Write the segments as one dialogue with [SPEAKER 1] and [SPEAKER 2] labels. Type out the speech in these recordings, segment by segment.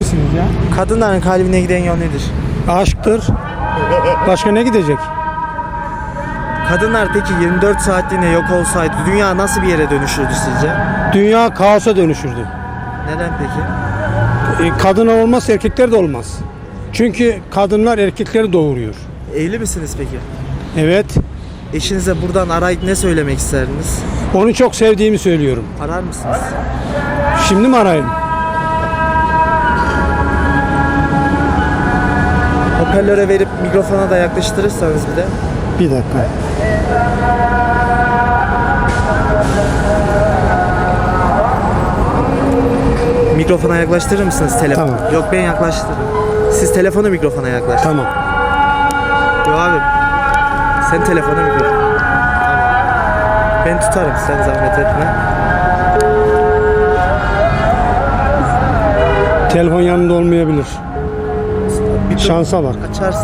[SPEAKER 1] misiniz ya?
[SPEAKER 2] Kadınların kalbine giden yol nedir?
[SPEAKER 1] Aşktır. Başka ne gidecek?
[SPEAKER 2] Kadınlar peki 24 saatliğine yok olsaydı dünya nasıl bir yere dönüşürdü sizce?
[SPEAKER 1] Dünya kaosa dönüşürdü.
[SPEAKER 2] Neden peki?
[SPEAKER 1] Kadın olmaz, erkekler de olmaz. Çünkü kadınlar erkekleri doğuruyor.
[SPEAKER 2] Evli misiniz peki?
[SPEAKER 1] Evet.
[SPEAKER 2] Eşinize buradan arayıp ne söylemek isterdiniz?
[SPEAKER 1] Onu çok sevdiğimi söylüyorum.
[SPEAKER 2] Arar mısınız?
[SPEAKER 1] Şimdi mi arayayım?
[SPEAKER 2] Hoparlöre verip mikrofona da yaklaştırırsanız bir de.
[SPEAKER 1] Bir dakika.
[SPEAKER 2] Mikrofona yaklaştırır mısınız telefonu?
[SPEAKER 1] Tamam.
[SPEAKER 2] Yok, ben yaklaştırırım. Siz telefonu mikrofona yaklaştırın.
[SPEAKER 1] Tamam.
[SPEAKER 2] Yok abi. Sen telefonu mikrofona. Tamam. Ben tutarım, sen zahmet etme.
[SPEAKER 1] Telefon yanında olmayabilir.
[SPEAKER 2] Bir dur,
[SPEAKER 1] Şansa bak.
[SPEAKER 2] açarsa.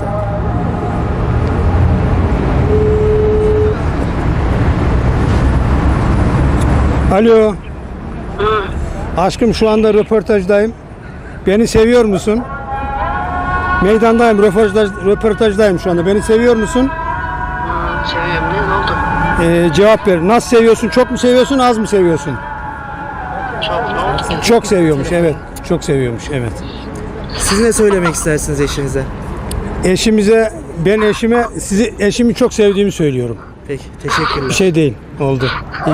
[SPEAKER 1] Alo. Aşkım, şu anda röportajdayım. Beni seviyor musun? Meydandayım, röportajdayım şu anda. Beni seviyor musun?
[SPEAKER 3] Seviyorum. Ne oldu?
[SPEAKER 1] Cevap ver. Nasıl seviyorsun? Çok mu seviyorsun, az mı seviyorsun?
[SPEAKER 3] Çok ne oldu?
[SPEAKER 1] Çok seviyormuş, evet. Çok seviyormuş, evet.
[SPEAKER 2] Siz ne söylemek istersiniz eşinize?
[SPEAKER 1] Ben eşime, eşimi çok sevdiğimi söylüyorum.
[SPEAKER 2] Peki, teşekkürler.
[SPEAKER 1] Bir şey değil, oldu.